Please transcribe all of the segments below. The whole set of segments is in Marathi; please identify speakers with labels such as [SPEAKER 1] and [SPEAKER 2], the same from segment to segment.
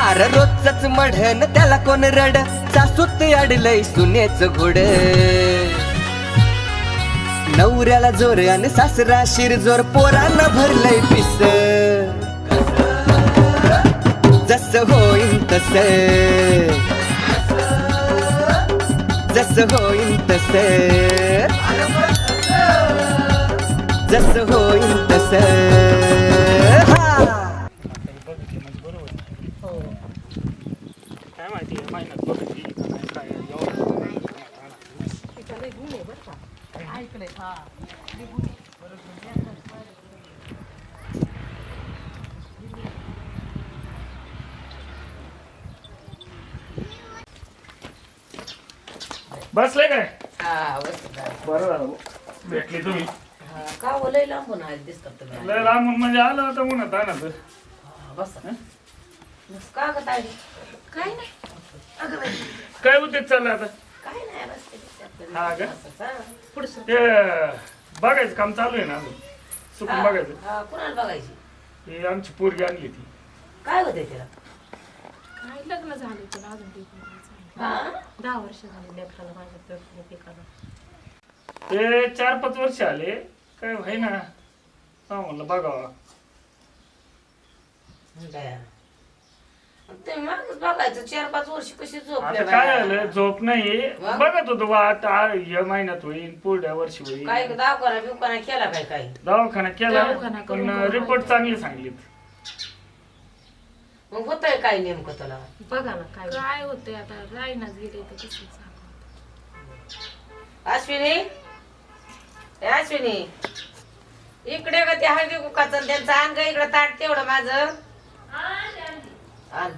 [SPEAKER 1] अरे रोजच मढन त्याला कोण रड सासूत अडलय सुनेच घोड नवऱ्याला जोर आणि सासरा शिरजोर पोरांना भरलंय पिस जस होईन तस जस होईन तस जस होईन तस
[SPEAKER 2] काय माहिती महिन्यात बघितली काय बसले काय बरं झालं भेटली तुम्ही
[SPEAKER 3] का लय लांबून आहे दिसतात तुम्ही
[SPEAKER 2] लय लांबून म्हणजे आलं होतं म्हणत आणत
[SPEAKER 3] बस का ग ताई काय नाही
[SPEAKER 2] काय उद्योग चाललं आता
[SPEAKER 3] काय नाही बस
[SPEAKER 2] हा का
[SPEAKER 3] पुढचं
[SPEAKER 2] ते बघायचं काम चालू आहे ना अजून चुकून बघायचं
[SPEAKER 3] कुणाला बघायची
[SPEAKER 2] ही आमची पोरगी आणली ती
[SPEAKER 3] काय होते तिला
[SPEAKER 4] काय लग्न झाले तुला अजून ते
[SPEAKER 3] हा
[SPEAKER 4] 10 वर्ष झाले लेकराला माझ्या पिकाला
[SPEAKER 2] ते 4-5 वर्ष आले काय व्हाय ना हा म्हणलं बघावा
[SPEAKER 3] ते मागच बघायचं 4-5 वर्ष कशी झोपले
[SPEAKER 2] आता काय झालं झोप नाही बघत होतो वाट या महिन्यात होईल पुढल्या वर्षी होईल
[SPEAKER 3] काय दवाखाना बिवखाना केला काय काय
[SPEAKER 2] दवाखाना केला
[SPEAKER 4] दवाखाना
[SPEAKER 2] पण
[SPEAKER 4] करून
[SPEAKER 2] रिपोर्ट चांगली सांगलीत
[SPEAKER 3] मग होतंय काय नेमकं तुला
[SPEAKER 4] बघा ना काय होतंय आता राईनाच गेले तर कसं सांगू
[SPEAKER 3] अश्विनी ए अश्विनी इकडे का ते हळदी कुकाचं त्यांचं आण का इकडे ताट तेवढं माझं आण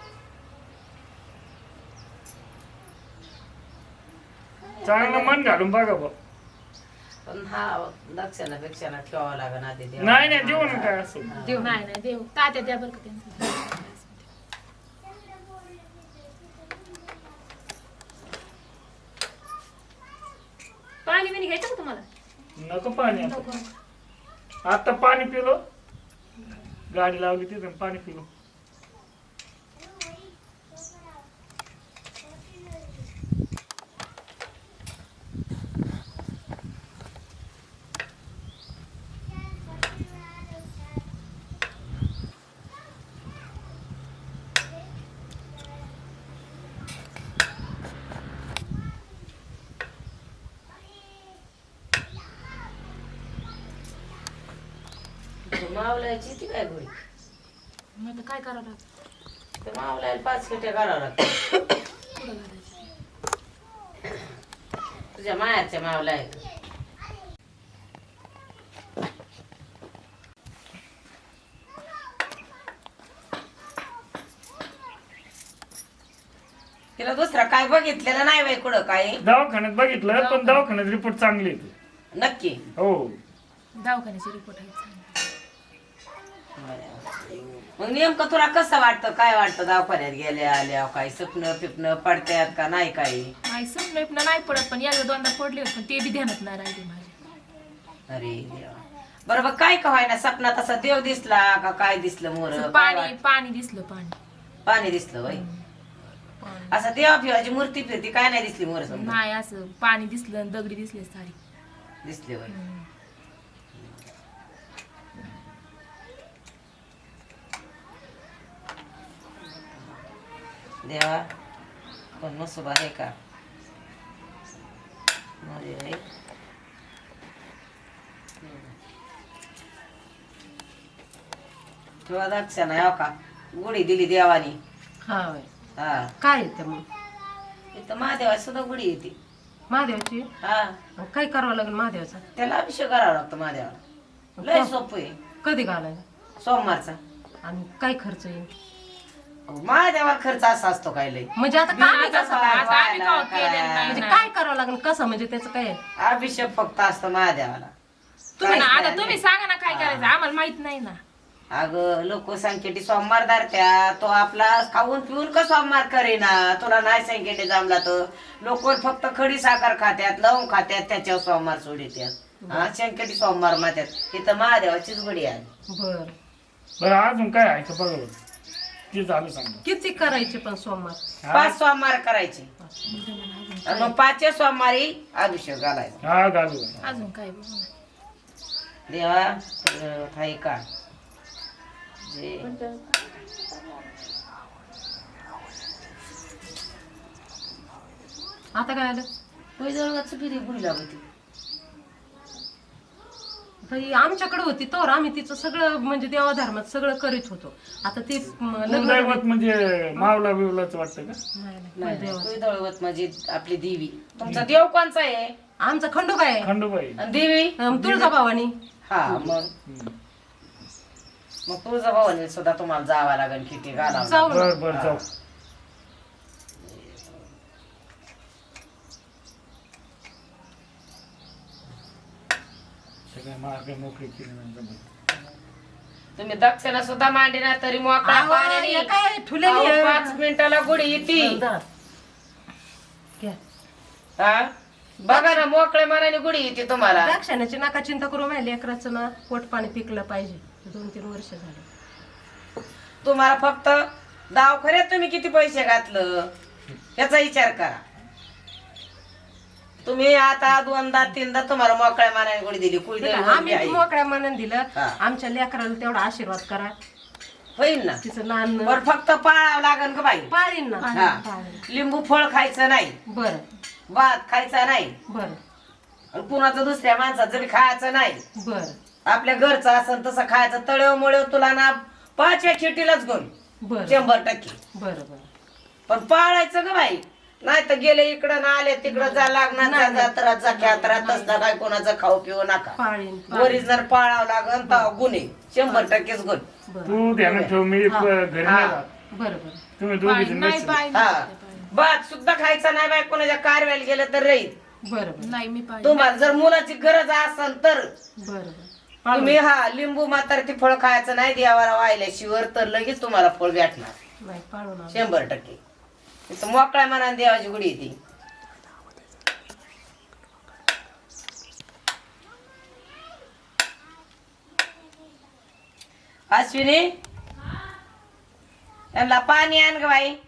[SPEAKER 2] चांगलं मन घालून बघा बा
[SPEAKER 3] पण हा दक्षिणापेक्षा ठेवावं लागेल आधी देवाला.
[SPEAKER 2] नाही नाही देऊ ना काय असं
[SPEAKER 4] देव नाही नाही देव तात्या द्या बरं का त्यांचं पाणी बिणी घ्यायचं का तुम्हाला
[SPEAKER 2] नको पाणी आता पाणी पिलो गाडी लावली तिथं पाणी पिलो
[SPEAKER 3] मावलायची ती काय गोळी
[SPEAKER 4] मग आता काय करावं लागतं
[SPEAKER 3] ते मावलायला 5 खेट्या करावं लागतं
[SPEAKER 4] कुठं घालायचं
[SPEAKER 3] तुझ्या मायाच्या मावला आहे तिला दुसरा काय बघितलेलं नाही बाई कुठं काय
[SPEAKER 2] दवाखान्यात बघितलं पण दवाखान्यात रिपोर्ट चांगली येते
[SPEAKER 3] नक्की
[SPEAKER 2] हो
[SPEAKER 4] दवाखान्याची रिपोर्ट आहे
[SPEAKER 3] मग नेमकं तुला कसं वाटतं काय वाटतं दवाखान्यात गेल्या आल्या काही स्वप्न पिपन पडत्यात का नाही काही
[SPEAKER 4] नाही समजा नाही पडत पण एकदा दोनदा पडले होते पण ते बी ध्यानात नाही राहिले माझ्या
[SPEAKER 3] अरे देवा बरोबर काय का व्हायना सपनात असा देव दिसला का काय दिसलं मोर
[SPEAKER 4] असं पाणी दिसलं पाणी
[SPEAKER 3] पाणी दिसलं बाई असं देवा फिवाची मूर्ती फिरती काय नाही दिसली मोर
[SPEAKER 4] नाही असं पाणी दिसलं आणि दगडी दिसले सारी
[SPEAKER 3] दिसली बाई देवा पण नसोबा आहे का अरे बाई. तुला दक्ष नाही हो का गुढी दिली देवानी
[SPEAKER 5] हा
[SPEAKER 3] हा
[SPEAKER 5] काय येते मग
[SPEAKER 3] इथं महादेवाची सुद्धा गुढी येते
[SPEAKER 5] महादेवाची
[SPEAKER 3] हा
[SPEAKER 5] मग काय करावं लागेल महादेवाचा
[SPEAKER 3] त्याला अभिषेक करावा लागतो महादेवाला लय सोपं आहे
[SPEAKER 5] कधी घालायला
[SPEAKER 3] सोमवारचा
[SPEAKER 5] आणि काय खर्च येईल
[SPEAKER 3] महादेवाला खर्च असा असतो काय लय
[SPEAKER 5] म्हणजे आता काय
[SPEAKER 3] बिना
[SPEAKER 5] कसं
[SPEAKER 3] पाय
[SPEAKER 4] आता आम्ही
[SPEAKER 3] व्हायला,
[SPEAKER 4] का केलेलं
[SPEAKER 3] करायला.
[SPEAKER 5] म्हणजे काय करावं लागेल कसं म्हणजे त्याचं काय आहे?
[SPEAKER 3] अभिषेक फक्त असतो महादेवाला
[SPEAKER 4] तुम्ही ना
[SPEAKER 3] काहीच
[SPEAKER 4] आता
[SPEAKER 3] नाही.
[SPEAKER 4] तुम्ही सांगा ना काय करायचं आम्हाला माहित नाही ना
[SPEAKER 3] अगं लोक संकेटी सोमवार धरत्या तो आपला खाऊन पिऊन का सोमवार करेना तुला नाही संकेटी जमला तर लोक फक्त खडी साखर खात्यात लवंग खात्यात त्याच्यावर सोमवार सोडित्यात हा संकेटी सोमवार मात्यात इथं महादेवाचीच गुढी आली
[SPEAKER 5] बर
[SPEAKER 2] बरं अजून काय आहे का बघा ते झालं सांगा.
[SPEAKER 5] किती करायचे पण सोमवार?
[SPEAKER 3] 5 सोमवार करायचे आणि मग 5 सोमवारी अभिषेक घालायचा.
[SPEAKER 2] हा घालू.
[SPEAKER 4] अजून काय बघू ना.
[SPEAKER 3] देवा तुझं आहे का जे
[SPEAKER 5] आता काय आलं?
[SPEAKER 3] पैजवळचं फिरी बुडी लागते.
[SPEAKER 5] बाई आमच्याकडे होती तर आम्ही तिचं सगळं म्हणजे देवाधर्मात सगळं करीत होतो. आता ती
[SPEAKER 2] कुलदैवत म्हणजे मावला बिवलाच वाटतं का?
[SPEAKER 3] पैजवळवत म्हणजे आपली देवी. तुमचा देव कोणचा आहे?
[SPEAKER 5] आमचा खंडोबा आहे.
[SPEAKER 2] खंडोबाई.
[SPEAKER 3] आणि देवी
[SPEAKER 5] तुळजाभवानी.
[SPEAKER 3] हा मग तुझा भावाने सुद्धा तुम्हाला जावं लागेल किती घालावं
[SPEAKER 5] जाऊ ना.
[SPEAKER 2] बर बर जाऊ. सगळ्या मार्ग मोकळी केली नाही.
[SPEAKER 3] तुम्ही दक्षिणा सुद्धा मांडी ना तरी मोकळा
[SPEAKER 5] आहो,
[SPEAKER 3] पाण्याने
[SPEAKER 5] हे काय ठुलेली आहे.
[SPEAKER 3] 5 मिनिटाला गुढी येते.
[SPEAKER 5] घ्या.
[SPEAKER 3] हा बघा ना मोकळ्या मनाने गुढी येते तुम्हाला.
[SPEAKER 5] द्राक्षाण्याची नका चिंता करू माझ्या लेकराचं ना पोट पाणी पिकलं पाहिजे. 2-3 वर्ष झाले.
[SPEAKER 3] तुम्हाला फक्त दवाखान्यात तुम्ही किती पैसे घातलं याचा विचार करा. तुम्ही आता 2दा-3दा तुम्हाला मोकळ्या मनाने गुढी दिली. कुळदेवी
[SPEAKER 5] आम्ही
[SPEAKER 3] आहे.
[SPEAKER 5] मोकळ्या मनाने दिलं.
[SPEAKER 3] हा.
[SPEAKER 5] आमच्या लेकराला तेवढा आशीर्वाद करा.
[SPEAKER 3] होईल ना.
[SPEAKER 5] तिचं नान
[SPEAKER 3] बर फक्त पाळावं लागेल का बाई.
[SPEAKER 5] पाळीन ना.
[SPEAKER 3] हा.
[SPEAKER 5] पाळीन.
[SPEAKER 3] लिंबू फळ खायचं नाही.
[SPEAKER 5] बरं
[SPEAKER 3] भात खायचा नाही.
[SPEAKER 5] बरं
[SPEAKER 3] आणि कुणाचं दुसऱ्या माणसाचं बी खायचं नाही.
[SPEAKER 5] बरं
[SPEAKER 3] आपल्या घरचं असं तसं खायचं. तळेव मुळे तुला ना 5व्या चिटीलाच घेऊन
[SPEAKER 5] बरं
[SPEAKER 3] 100%.
[SPEAKER 5] बरं बरं
[SPEAKER 3] पण पाळायचं ग बाई. नाही तर गेले इकडं ना आले तिकडं जा लागणार जात्रात जा ख्यात्रात तसला काय कोणाचं खाऊ पिऊ नका.
[SPEAKER 5] पाळीन.
[SPEAKER 3] ओरिजिनल पाळावं लागन तर गुन्हे 100%च गुण.
[SPEAKER 5] बरं
[SPEAKER 2] तू ध्यानात ठेव मी घरी नाही राहत.
[SPEAKER 5] बरं बरं
[SPEAKER 2] तुम्ही दोघी जण
[SPEAKER 4] नाही
[SPEAKER 2] नसेल.
[SPEAKER 4] पाय
[SPEAKER 3] हा भात सुद्धा खायचा नाही बाई. कोणाच्या कारव्याला गेलं तर राहील.
[SPEAKER 5] बरं बरं
[SPEAKER 4] नाही मी पाय
[SPEAKER 3] तुम्हाला जर मुलाची गरज असेल तर
[SPEAKER 5] बरं बरं
[SPEAKER 3] तुम्ही लिंबू मात्र ती फळ खायचं नाही. देवाला वाहिल्याशिवाय तर लगेच तुम्हाला फळ भेटणार
[SPEAKER 5] नाही पाळून आलो.
[SPEAKER 3] 100%. इथं मोकळ्या मनाने देवाची गुढी येते. अश्विनी यांना पाणी आण ग बाई.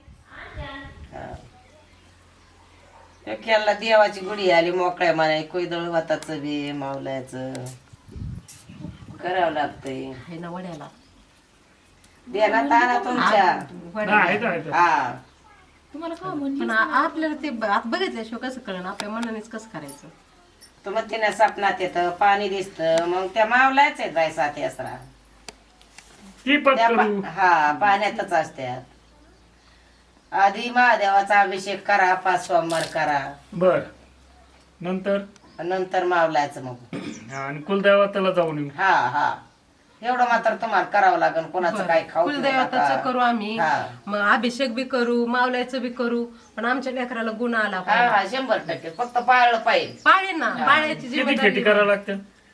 [SPEAKER 3] खेळला देवाची गुढी आली मोकळ्या मनाने. कोयदळ वाताचं बी मावल्याचं करावं लागतंय.
[SPEAKER 5] हे ना वड्याला
[SPEAKER 3] देण्यात आणा तुमच्या.
[SPEAKER 2] नाही, आहेत, आहेत.
[SPEAKER 3] हा
[SPEAKER 4] तुम्हाला का म्हणली
[SPEAKER 5] पण आपल्याला ते आता बघितल्याशिवाय कसं कळण आपल्या मनानेच कसं करायचं.
[SPEAKER 3] तर मग तिने स्वप्नात येतं पाणी दिसतं. मग त्या मावल्याच आहेत बाय 7 यात्रा.
[SPEAKER 2] ती पत
[SPEAKER 3] त्या
[SPEAKER 2] करू.
[SPEAKER 3] हा पाण्यातच असत्यात. आधी महादेवाचा अभिषेक करा 5 सोमवार करा
[SPEAKER 2] बर नंतर
[SPEAKER 3] नंतर मावलायचं मग.
[SPEAKER 2] हा, आणि कुलदैवताला जाऊन येऊ.
[SPEAKER 3] हा हा एवढं मात्र तुम्हाला करावं लागेल. कोणाचं काय खाऊ पिऊ
[SPEAKER 5] कुलदैवताचं
[SPEAKER 3] नका.
[SPEAKER 5] करू आम्ही.
[SPEAKER 3] हा.
[SPEAKER 5] मग अभिषेक बी करू मावल्याचं बी करू. पण आमच्या लेकराला गुण आला
[SPEAKER 3] हा
[SPEAKER 5] पाहिजे.
[SPEAKER 3] हा 100% फक्त पाळलं पाहिजे.
[SPEAKER 5] पाळीन ना. पाळ्याची
[SPEAKER 2] किती
[SPEAKER 5] जिम्मेदारी.
[SPEAKER 2] खेती करावं लागतं?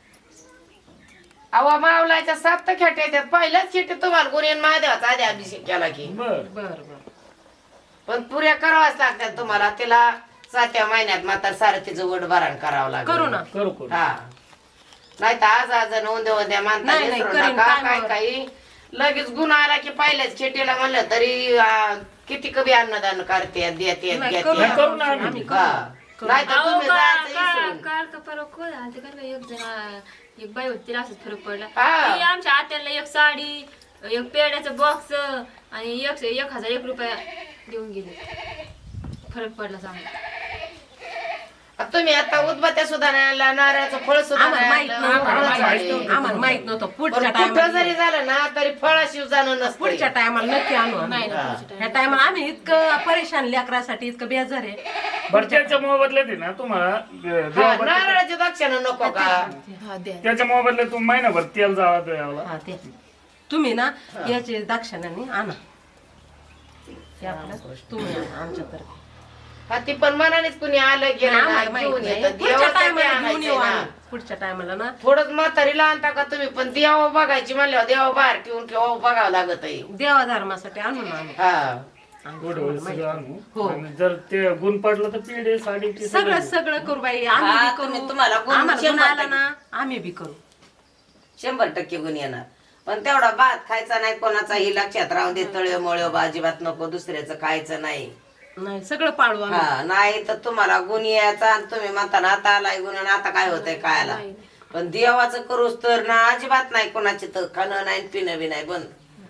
[SPEAKER 3] अवा मावलाच्या 7 खेटे येतात. पहिल्याच खेटे तुम्हाला कोणी महादेवाचा आधी अभिषेक केला की.
[SPEAKER 2] बर
[SPEAKER 5] बर बर
[SPEAKER 3] पण पुऱ्या करावाच लागतात तुम्हाला. तिला 7व्या महिन्यात मात्र सारं तिचं वड भरण करावं लागेल.
[SPEAKER 5] करू ना.
[SPEAKER 2] करू करू.
[SPEAKER 3] हा नाही तर आज उद्या मानता
[SPEAKER 5] नाही, नाही,
[SPEAKER 3] विसरू
[SPEAKER 5] करीन,
[SPEAKER 3] नका.
[SPEAKER 5] काय
[SPEAKER 3] काय
[SPEAKER 5] मग.
[SPEAKER 3] काही लगेच गुण आला की पहिल्याच खेटीला म्हणलं तरी किती कमी अन्नदान करते देते
[SPEAKER 5] नाही,
[SPEAKER 3] घेते.
[SPEAKER 5] करू
[SPEAKER 2] नाही, करू ना
[SPEAKER 5] आम्ही
[SPEAKER 2] आम्ही.
[SPEAKER 5] करू.
[SPEAKER 3] हा. नाही तर तुम्ही जायचं विसरून.
[SPEAKER 4] काल का परवा कोण आलते का नाही, एक जण एक बाई होती तिला असंच फरक पडला.
[SPEAKER 3] हा.
[SPEAKER 4] ती आमच्या आत्याला एक साडी एक पेड्याचा बॉक्स आणि 1001 रुपया देऊन गेले. फरक पडला चांगला.
[SPEAKER 3] तुम्ही आता उदबत्या सुद्धा नाही आणला, नारळाचं फळ सुद्धा
[SPEAKER 5] आम्हाला
[SPEAKER 3] नाही
[SPEAKER 5] माहित
[SPEAKER 3] आणलं.
[SPEAKER 5] नव्हतं. आम्हाला माहित नव्हतं.
[SPEAKER 3] पण
[SPEAKER 5] पुढच्या
[SPEAKER 3] कुठं
[SPEAKER 5] टायमाला
[SPEAKER 3] जरी झालं ना तरी फळाशिव जाणं नसतं.
[SPEAKER 5] पुढच्या टायमाला नक्की आणू आम्ही.
[SPEAKER 4] नाही ना
[SPEAKER 3] हा.
[SPEAKER 4] पुढच्या
[SPEAKER 5] ह्या टायमाला आम्ही इतकं परेशान लेकरासाठी इतकं बेजार आहे.
[SPEAKER 2] बरं त्याच्या मोबदल्यात आहे ना तुम्हाला देवाबद्दल-
[SPEAKER 3] नारळाची दक्षिणा नको का.
[SPEAKER 4] टायमाला. हा द्या.
[SPEAKER 2] त्याच्या मोबदल्यात तुम्ही महिनाभर तेल जावा द्यावला.
[SPEAKER 5] हा ते तुम्ही ना याचे दाक्षिणाने आणा. ते आपलं तुम्ही आणा आमच्यातर्फे.
[SPEAKER 3] हा ती पण मनानेच कुणी आलं गेलं ना
[SPEAKER 5] आम्हाला माहित
[SPEAKER 3] घेऊन
[SPEAKER 5] नाही.
[SPEAKER 3] येतं.
[SPEAKER 5] पुढच्या
[SPEAKER 3] देवासाठी
[SPEAKER 5] टायमाला घेऊन
[SPEAKER 3] आणायचंय
[SPEAKER 5] येऊ
[SPEAKER 3] ना.
[SPEAKER 5] आम्ही. पुढच्या टायमाला ना
[SPEAKER 3] थोडंच म्हातारीला आणता का तुम्ही. पण देवा बघायची म्हणल्यावर देवा बाहेर ठेवून किंवा बघावं लागत आहे.
[SPEAKER 5] देवा धर्मासाठी आणू ना आम्ही.
[SPEAKER 3] हा
[SPEAKER 2] गोड सगळं आणू.
[SPEAKER 5] हो.
[SPEAKER 2] आणि जर ते गुण पडलं तर पेढे साडी ते
[SPEAKER 5] सगळं सगळं करू बाई. आम्ही
[SPEAKER 3] हा,
[SPEAKER 5] बी
[SPEAKER 3] तुम्ही
[SPEAKER 5] करू.
[SPEAKER 3] तुम्हाला गुण
[SPEAKER 5] आम्हाला गुण
[SPEAKER 3] 100%
[SPEAKER 5] आला ना आम्ही बी करू.
[SPEAKER 3] 100% गुण येणार. पण तेवढा भात खायचा नाही कोणाचाही लक्षात राहून दे. तळ्यो मळ्यो अजिबात नको, दुसऱ्याचं खायचं नाही.
[SPEAKER 5] नाही सगळं पाळू आम्ही.
[SPEAKER 3] हा नाही तर तुम्हाला गुण यायचा आणि तुम्ही म्हणता ना आता आलाय गुण आणि आता काय होतंय खायला. पण देवाचं करूच तर ना अजिबात नाही कोणाची तर खाणं नाही पिणं बी नाही बंद.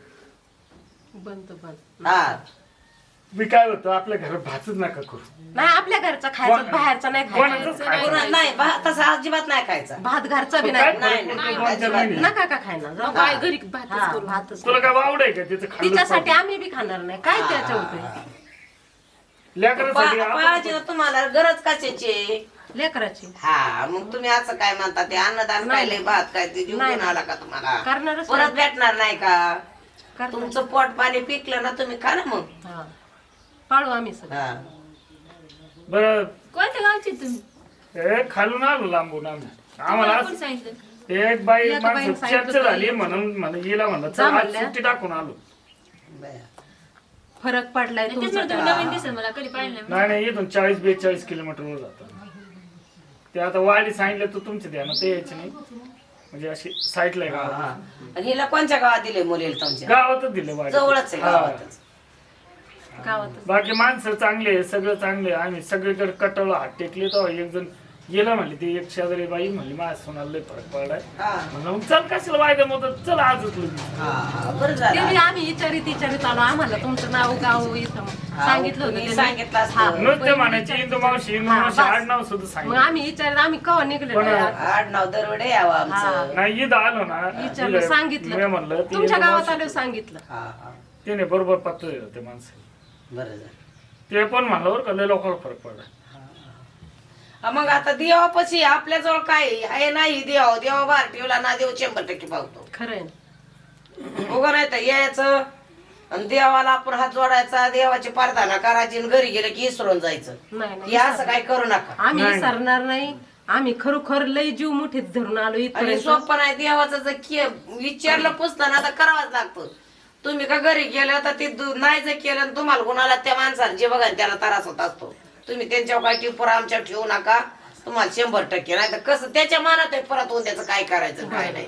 [SPEAKER 5] बंद
[SPEAKER 3] हा
[SPEAKER 2] मी काय होतं आपल्या घरात भातच नका करू.
[SPEAKER 5] नाही आपल्या घरचा खायचं, बाहेरचा नाही खायचा.
[SPEAKER 2] कोणाचंच खायचं
[SPEAKER 3] कोणा- नाही भात तसा अजिबात नाही खायचा.
[SPEAKER 5] भात घरचा बी
[SPEAKER 2] काय
[SPEAKER 5] नाही.
[SPEAKER 2] फरक पडतो दोन चार महिने?
[SPEAKER 5] नका का खायला जाऊ.
[SPEAKER 4] काय घरी भातच
[SPEAKER 5] हा,
[SPEAKER 4] करू.
[SPEAKER 5] भातच.
[SPEAKER 2] तुला काय वावड आहे का तिचं खाल्लं
[SPEAKER 5] तिच्यासाठी आम्ही बी खाणार नाही. काय त्याच्या उपयोग
[SPEAKER 2] लेकरासाठी
[SPEAKER 3] पाळायची ना तुम्हाला गरज कशाची.
[SPEAKER 5] लेकराची
[SPEAKER 3] हा मग तुम्ही असं काय म्हणता ते अन्नदान खायले भात काय ते जीव
[SPEAKER 5] नाही.
[SPEAKER 3] घेऊन आला का तुम्हाला
[SPEAKER 5] करणारच
[SPEAKER 3] परत भेटणार नाही का.
[SPEAKER 5] करणार.
[SPEAKER 3] तुमचं पोट पाणी पिकलं ना तुम्ही खा ना मग.
[SPEAKER 5] हा. पाळू आम्ही सगळं.
[SPEAKER 3] हा.
[SPEAKER 2] बरं
[SPEAKER 4] कोणत्या गावचे तुम्ही?
[SPEAKER 2] हे खालून आलो लांबून आम्ही. आम्हाला
[SPEAKER 4] कोण सांगितलं?
[SPEAKER 2] एक बाई
[SPEAKER 5] एका बाईने
[SPEAKER 2] माणसं
[SPEAKER 5] सांगितलं
[SPEAKER 2] चर्चा
[SPEAKER 5] तर
[SPEAKER 2] झाली म्हणून मला हिला म्हणलं
[SPEAKER 5] जा
[SPEAKER 2] चल आज
[SPEAKER 5] म्हणल्या.
[SPEAKER 2] सुट्टी टाकून आलो.
[SPEAKER 3] बरं.
[SPEAKER 5] फरक पडलाय
[SPEAKER 4] तेच
[SPEAKER 5] तुमचा.
[SPEAKER 4] म्हणतो, नवीन दिसेल मला, कधी पाहिलं नाही.
[SPEAKER 2] नाही नाही इथून 40-42 किलोमीटरवर जातो. ते आता वाडी सांगितलं तर तुमच्या ध्यानात ते यायचे नाही, म्हणजे अशी साईडला आहे
[SPEAKER 3] हा.
[SPEAKER 2] गावात.
[SPEAKER 3] आणि हिला कोणत्या गावात दिले मुलीला तुमच्या?
[SPEAKER 2] गावातच दिले वाडी.
[SPEAKER 3] जवळच आहे
[SPEAKER 2] हा.
[SPEAKER 3] गावातच.
[SPEAKER 5] गावातच.
[SPEAKER 2] बाकी माणसं चांगले आहे, सगळं चांगले आहे. आम्ही सगळीकडे कटवलं हात टेकले तर एक जण गेला म्हणली, ती एक शेजारी बाई म्हणली माझ्या सोनाला लय फरक पडलाय.
[SPEAKER 3] हा.
[SPEAKER 2] म्हणलं मग चल कशाला वायदा मग चल आजच लगेच.
[SPEAKER 3] हा, बरं
[SPEAKER 5] ते
[SPEAKER 3] झालं.
[SPEAKER 5] बी आम्ही विचारित आलो. आम्हाला तुमचं नाव गाव इथं सांगितलं होतं
[SPEAKER 3] तुम्ही
[SPEAKER 5] त्यांनी.
[SPEAKER 3] सांगितलं असतं.
[SPEAKER 5] हा.
[SPEAKER 2] नुसते म्हणायचे इंदू मावशी
[SPEAKER 5] हा, बस.
[SPEAKER 2] आडनाव सुद्धा
[SPEAKER 5] मग
[SPEAKER 2] सांगितलं.
[SPEAKER 5] आम्ही विचारलं आम्ही केव्हा निघले
[SPEAKER 2] पण-
[SPEAKER 3] आडनाव दरवडे यावं आमचं.
[SPEAKER 2] नाही इथं आलो ना
[SPEAKER 5] विचारलं
[SPEAKER 2] मी
[SPEAKER 5] सांगितलं
[SPEAKER 2] म्हणलं ती
[SPEAKER 5] तुमच्या
[SPEAKER 2] इंदू
[SPEAKER 5] गावात
[SPEAKER 2] मावशी-
[SPEAKER 5] आलो सांगितलं.
[SPEAKER 3] हा हा
[SPEAKER 2] तिने बरोबर पत्ता दिलं ते माणसं.
[SPEAKER 3] बरं झालं.
[SPEAKER 2] ते पण म्हणलं बरं का लय लोकांना फरक पडला.
[SPEAKER 3] हा, मग आता देवापाशी आपल्याजवळ काय आहे नाही. देवा बाहेर ठेवला ना देव 100% पावतो.
[SPEAKER 5] खरंय ना.
[SPEAKER 3] उगा नाही तर यायचं आणि देवाला आपण हात जोडायचा, देवाची प्रार्थना करायची आणि घरी गेलं की इसरून जायचं.
[SPEAKER 5] नाही नाही
[SPEAKER 3] हे असं काय करू नका.
[SPEAKER 5] आम्ही
[SPEAKER 2] नाही.
[SPEAKER 5] विसरणार नाही. आम्ही खरोखर लय जीव मुठीत धरून आलो
[SPEAKER 3] आणि
[SPEAKER 5] इथपर्यंत.
[SPEAKER 3] सोपं नाही. देवाचं जर विचारलं पुसतं ना तर करावंच लागतं. तुम्ही का घरी गेलं तर ते नाही जर केलं आणि तुम्हाला गुणाला त्या माणसाला जे बघा त्याला त्रास होत असतो. तुम्ही त्यांच्यावर काय टिपूर आमच्या ठेवू नका. तुम्हाला 100% नाही तर कसं त्याच्या मनात आहे परत होऊन त्याचं काय करायचं काय नाही.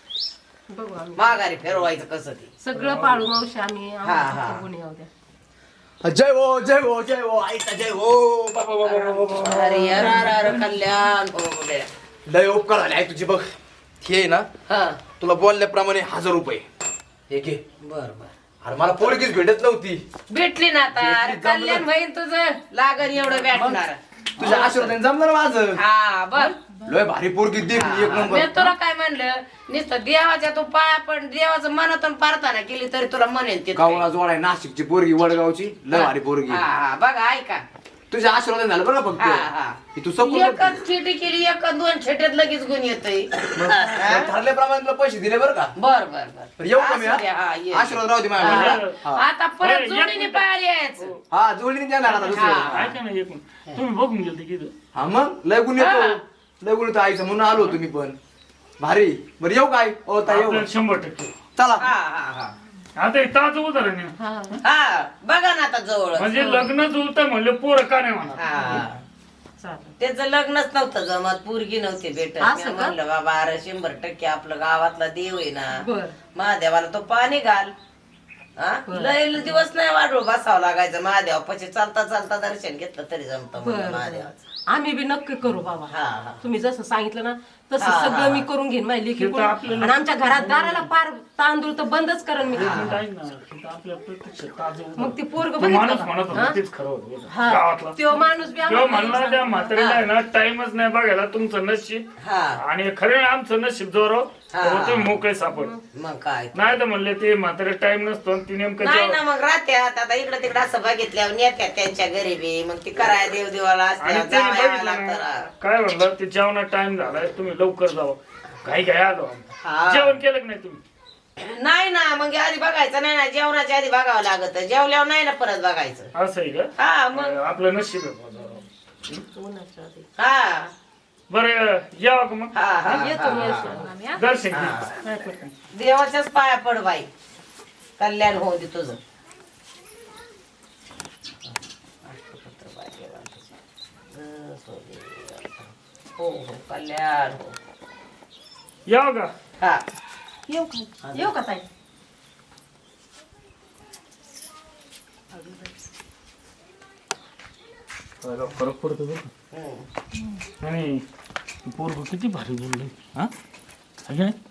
[SPEAKER 5] बघू आम्ही
[SPEAKER 3] माघारी फिरवायचं कसं ते.
[SPEAKER 5] सगळं पाळू मावशी आम्ही.
[SPEAKER 3] हा.
[SPEAKER 5] आम्हाला फक्त गुन्हे येऊ द्या.
[SPEAKER 1] जय हो जय हो जय हो आईचा जय हो. बाबा बाबा बाबा बाबा.
[SPEAKER 3] अरे यार अरे कल्याण हो रे.
[SPEAKER 1] लय उपकार झाले आई तुझी बघ. हे आहे ना
[SPEAKER 3] हा
[SPEAKER 1] तुला बोलल्याप्रमाणे 1000 रुपये हे घे.
[SPEAKER 3] बर बर
[SPEAKER 1] अरे मला पोरगीच भेटत नव्हती.
[SPEAKER 3] भेटली ना आता. अरे
[SPEAKER 1] भेटली, जमलं.
[SPEAKER 3] कल्याण होईन तुझं लागण एवढं भेटणार.
[SPEAKER 1] तुझ्या आशीर्वादाने जमलं ना माझं.
[SPEAKER 3] हा बर.
[SPEAKER 1] लय भारी पोरगी देखली एक
[SPEAKER 3] मी
[SPEAKER 1] नंबर.
[SPEAKER 3] तुला काय म्हणलं नुसतं देवाच्या तू पाया पण देवाचं मनातून प्रार्थना केली तरी तुला म्हणेन ते.
[SPEAKER 1] गावाला जोडाय नाशिकची पोरगी वडगावची लय भारी पोरगी.
[SPEAKER 3] हा बघा ऐका.
[SPEAKER 1] तुझ्या आशीर्वादाने झालं बरं का
[SPEAKER 3] हा हा
[SPEAKER 1] फक्त. की तू सकून
[SPEAKER 3] एकच चिठी केली एक 2 छेट्यात लगेच गुण येतय.
[SPEAKER 1] ठरल्याप्रमाणे तुला पैसे दिले बरं का.
[SPEAKER 3] बर बर बर.
[SPEAKER 1] तर येऊ का मी
[SPEAKER 3] असू द्या, हा, ये.
[SPEAKER 1] आशीर्वाद राहू दे माझ्या. हा.
[SPEAKER 3] आता परत
[SPEAKER 2] हे,
[SPEAKER 3] जोडीने
[SPEAKER 2] एक
[SPEAKER 3] पाहायला यायचं.
[SPEAKER 1] हा जोडीने देणार आता दुसरं.
[SPEAKER 3] हा.
[SPEAKER 2] ऐका ना एकूण तुम्ही बघून गेलते की इथं?
[SPEAKER 1] हा मग लय गुण येतो. लय गुण येतो आईचं म्हणून आलो तुम्ही पण. भारी बरं येऊ काय ओ ताई येऊ.
[SPEAKER 2] आपल्याला 100%.
[SPEAKER 1] चला
[SPEAKER 3] हा हा हा
[SPEAKER 2] आता हे ताजं उदाहरण आहे.
[SPEAKER 5] हा
[SPEAKER 3] हा बघा ना आता जवळ.
[SPEAKER 2] म्हणजे लग्न जुळतं म्हणलं पोरं का नाही म्हणा.
[SPEAKER 3] हा
[SPEAKER 5] चालेल.
[SPEAKER 3] त्याचं लग्नच नव्हतं जमत. पोरगी नव्हती भेटत.
[SPEAKER 5] असं
[SPEAKER 3] मी
[SPEAKER 5] का?
[SPEAKER 3] म्हणलं बाबा अरे 100% आपलं गावातला देव आहे ना.
[SPEAKER 5] बर
[SPEAKER 3] महादेवाला तो पाणी घाल. हा लय दिवस नाही वाढवून बसावं लागायचं महादेवापाशी. चालता चालता दर्शन घेतलं तरी जमतं
[SPEAKER 5] बर
[SPEAKER 3] म्हणलं महादेवाचं.
[SPEAKER 5] आम्ही बी नक्की करू बाबा.
[SPEAKER 3] हा हा
[SPEAKER 5] तुम्ही जसं सांगितलं ना तसं
[SPEAKER 3] हा,
[SPEAKER 5] सगळं
[SPEAKER 3] हा.
[SPEAKER 5] मी करून घेईन माझी लेखी
[SPEAKER 2] हे तर आपल्याला-
[SPEAKER 5] आणि आमच्या घरात दाराला पार तांदूळ तर बंदच करेन मी.
[SPEAKER 2] एक मिनिट ऐक ना. इथं आपल्या प्रत्यक्ष ताजं उदाहरण.
[SPEAKER 5] मग ती पोरग
[SPEAKER 2] तो
[SPEAKER 5] बघितलं
[SPEAKER 2] माणूस
[SPEAKER 5] का?
[SPEAKER 2] म्हणत
[SPEAKER 5] हा?
[SPEAKER 2] होता तेच खरं होतं
[SPEAKER 5] हा.
[SPEAKER 2] गावातला.
[SPEAKER 5] त्यो माणूस बी
[SPEAKER 2] किंवा
[SPEAKER 5] आम्हाला
[SPEAKER 2] म्हणला त्या
[SPEAKER 5] सांगितलं.
[SPEAKER 2] म्हातारीला आहे ना टाइमच नाही बघायला तुमचं नशीब.
[SPEAKER 3] हा
[SPEAKER 2] आणि खरं आमचं नशीब जोर
[SPEAKER 3] हा.
[SPEAKER 2] तुम्ही मोकळे सापड.
[SPEAKER 3] मग काय
[SPEAKER 2] नाही तर म्हणले ते म्हातारे टाइम नसतो आणि ती नेमकं
[SPEAKER 3] नाही
[SPEAKER 2] जेव्हा-
[SPEAKER 3] ना मग राहत्यात आता इकडे तिकडे असं बघितल्यावर नेत्यात त्यांच्या गरिबी. मग ती कराय देवदेवाला
[SPEAKER 2] आणि
[SPEAKER 3] असत्या
[SPEAKER 2] ते
[SPEAKER 3] जावयाला
[SPEAKER 2] बघितलं
[SPEAKER 3] लागतं
[SPEAKER 2] ना,
[SPEAKER 3] ना.
[SPEAKER 2] काय म्हणलं ते जेवणा टाइम झालाय तुम्ही लवकर जावं. काही काय आलो आम्ही.
[SPEAKER 3] हा.
[SPEAKER 2] जेवण केलं की नाही तुम्ही?
[SPEAKER 3] नाही ना मग आधी बघायचं नाही ना. जेवणाच्या आधी बघावं लागत. जेवल्यावर नाही ना परत बघायचं.
[SPEAKER 2] असं आहे का?
[SPEAKER 3] हा मग
[SPEAKER 2] आपलं नशीब आहे बुवा जरा.
[SPEAKER 5] उन्हाच्या आधी.
[SPEAKER 3] हा
[SPEAKER 2] बरं यावं का मग
[SPEAKER 3] हा हा
[SPEAKER 5] येतो मी येतो.
[SPEAKER 4] आम्ही, हा?
[SPEAKER 2] दर्शन घे.
[SPEAKER 5] काय करता?
[SPEAKER 3] देवाच्याच पाया पड बाई. कल्याण होऊ दे तुझं. हो हो कल्याण हो.
[SPEAKER 2] यावं का?
[SPEAKER 3] हा
[SPEAKER 5] येऊ का ताई?
[SPEAKER 2] फरक पडतो बरं. आणि पोरग किती भारी बोलले हा आहे ना?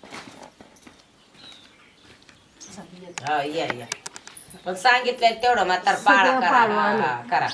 [SPEAKER 3] हा या पण सांगितलंय तेवढं मात्र पाळा
[SPEAKER 5] सगळं पाळू
[SPEAKER 3] करा
[SPEAKER 5] आम्ही.
[SPEAKER 3] हा, करा.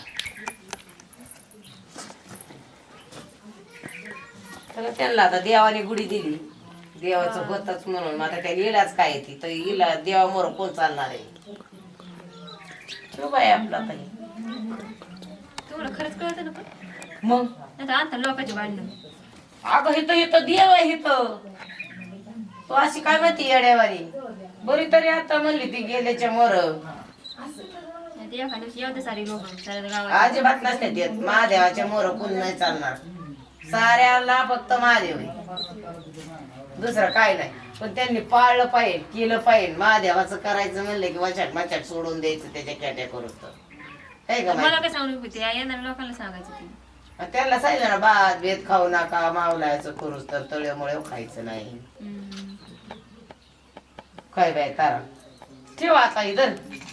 [SPEAKER 3] तर त्यांना आता देवाने गुढी दिली देवाचं होतच म्हणून मग आता त्याला इलाज काय येते तर इला देवामोर कोण चालणार आहे ठेव बाई आपला ताई
[SPEAKER 4] तुम्हाला खरंच कळतं ना पण
[SPEAKER 3] मग
[SPEAKER 4] नाही तर आता लोकांचे भांडणं
[SPEAKER 3] अगं हिथं इथं देव आहे हिथं तू अशी काय माहिती येड्यावानी बरी तरी आता म्हणली ती गेल्याच्या मोर
[SPEAKER 4] नाही तर एखाद्या दिवशी एवढं सारी लोक साऱ्या गावात
[SPEAKER 3] अजिबात नसते देत महादेवाच्या मोर कोण नाही चालणार साऱ्याला फक्त महादेव आहे दुसरं काय नाही पण त्यांनी पाळलं पाहिजे केलं पाहिजे महादेवाचं करायचं म्हणलं की वाचाट माचाट सोडून द्यायचं त्याच्या कॅट्या करून तर आहे का
[SPEAKER 4] मला
[SPEAKER 3] माहिती?
[SPEAKER 4] काय सांगू होते येणाऱ्या लोकांना सांगायचं ते
[SPEAKER 3] त्यांना सांगितलं ना भात भेद खाऊ नका मावलायचं करूच तर तळ्यामुळे खायचं नाही
[SPEAKER 4] हम्म.
[SPEAKER 3] काय बाय तारा ठेवा आता इधर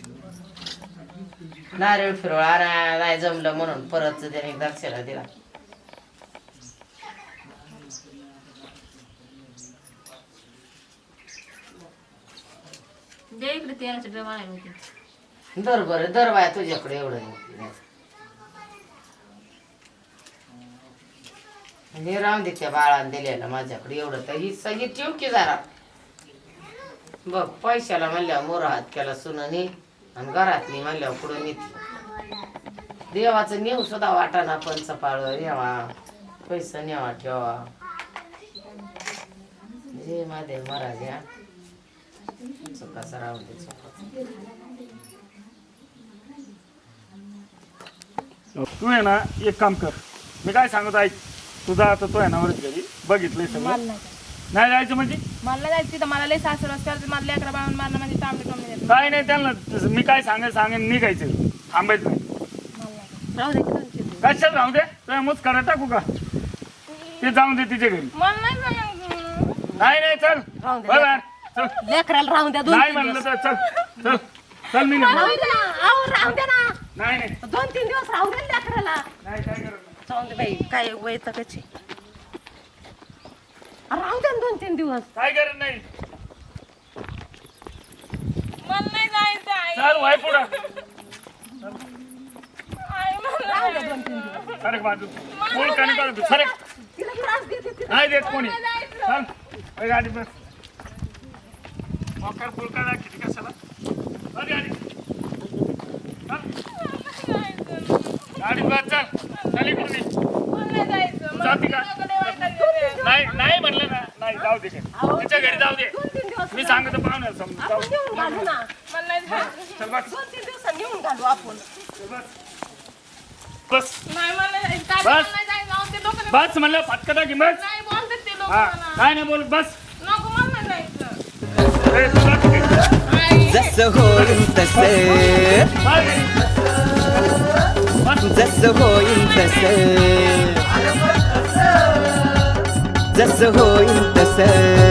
[SPEAKER 3] नारळ फिरवळा नाही जमलं म्हणून परत त्याने दक्षिणा दिला
[SPEAKER 4] दे इकडे तेलाचे डबा आणायला होते
[SPEAKER 3] दर बरं दर बाय तुझ्याकडे एवढं नाही हे राम दे त्या बाळाने दिलेलं माझ्याकडे एवढं तर ही सगळी ठेव की जरा बघ पैशाला म्हणल्यावर मोर हात केला सुनानी आणि घरातली म्हणल्यावर पुढे नेते देवाचं नेऊ सुद्धा वाटाना पंचपाळ नेवा पैसा नेवा ठेवा जय महादेव महाराज या चुकाचा राहून दे चुका
[SPEAKER 2] तू आहे ना एक काम कर मी काय सांगतो ऐक तुझा आता तो आहे ना वरच घरी बघितलंय सगळं नाही जायचं म्हणजे
[SPEAKER 6] मला जायचं तिथं मला लय सासुरास करते मला लेकरा बाळून मारणं म्हणजे तांबडे कमी देतात
[SPEAKER 2] काय नाही त्यांना मी काय सांगेन निघायचं थांबायचं नाही
[SPEAKER 5] राहू दे की दोन-तीन दिवस.
[SPEAKER 2] कशाला राहू दे तुझ्या मुच करा टाकू का ते जाऊन दे तिच्या घरी
[SPEAKER 6] मला नाही जायचं.
[SPEAKER 2] नाही चल
[SPEAKER 5] राहून दे.
[SPEAKER 2] बरं चल
[SPEAKER 5] लेकराला राहून द्या
[SPEAKER 2] नाही
[SPEAKER 5] 2-3
[SPEAKER 2] म्हणलं
[SPEAKER 5] दिवस.
[SPEAKER 2] तर चल चल चल मी नाही
[SPEAKER 5] राहू दे ना, अहो, राहू दे ना.
[SPEAKER 2] नाही नाही
[SPEAKER 5] 2-3 दिवस राहू दे ना लेकराला.
[SPEAKER 2] नाही काय करत नाही.
[SPEAKER 5] जाऊन दे बाई काय वैतागाची. राहू दे ना 2-3 दिवस.
[SPEAKER 2] काय करत नाही
[SPEAKER 6] मला नाही जायचं आई.
[SPEAKER 2] चल वाय पुढं
[SPEAKER 6] आई, मला
[SPEAKER 5] राहू दे 2-3 दिवस.
[SPEAKER 2] सरक बाजू कोण काणी करत सरक
[SPEAKER 5] तिला त्रास देते ती.
[SPEAKER 2] नाही देत कोणी चल ए, गाडी बस मोकार फुलका दाखवते कशाला बस गाडी चल. गाडी बस चल चल इकडून ये.
[SPEAKER 6] मला नाही जायचं. मला
[SPEAKER 2] जाती का
[SPEAKER 6] कडे वाटायचं.
[SPEAKER 2] नाही नाही म्हणलं ना नाही जाऊ दे तिच्या घरी जाऊ दे
[SPEAKER 5] 2-3 दिवस
[SPEAKER 2] मी सांगतो पाहुण्याला समजून जाऊ
[SPEAKER 5] आपण नेऊन घालू ना.
[SPEAKER 6] मला नाही जायचं.
[SPEAKER 2] चल बस
[SPEAKER 5] 2-3 दिवसांनी नेऊन घालू आपण.
[SPEAKER 2] बस बस
[SPEAKER 6] नाही मला नाही जायचं. तात्या,
[SPEAKER 2] बस.
[SPEAKER 6] मला नाही जायचं. अहो, ते लोकं
[SPEAKER 2] बस म्हणलं फटका टाकी बस
[SPEAKER 6] नाही बोलतात ते लोक
[SPEAKER 2] हा
[SPEAKER 6] मला.
[SPEAKER 2] काय नाही बोल बस
[SPEAKER 6] नको मला नाही जायचं.
[SPEAKER 2] ए, तू जा तिकडे.
[SPEAKER 6] आई.
[SPEAKER 7] जसं होईल तसं
[SPEAKER 2] बस.
[SPEAKER 7] जसं होईल तसं जसं होईल तसं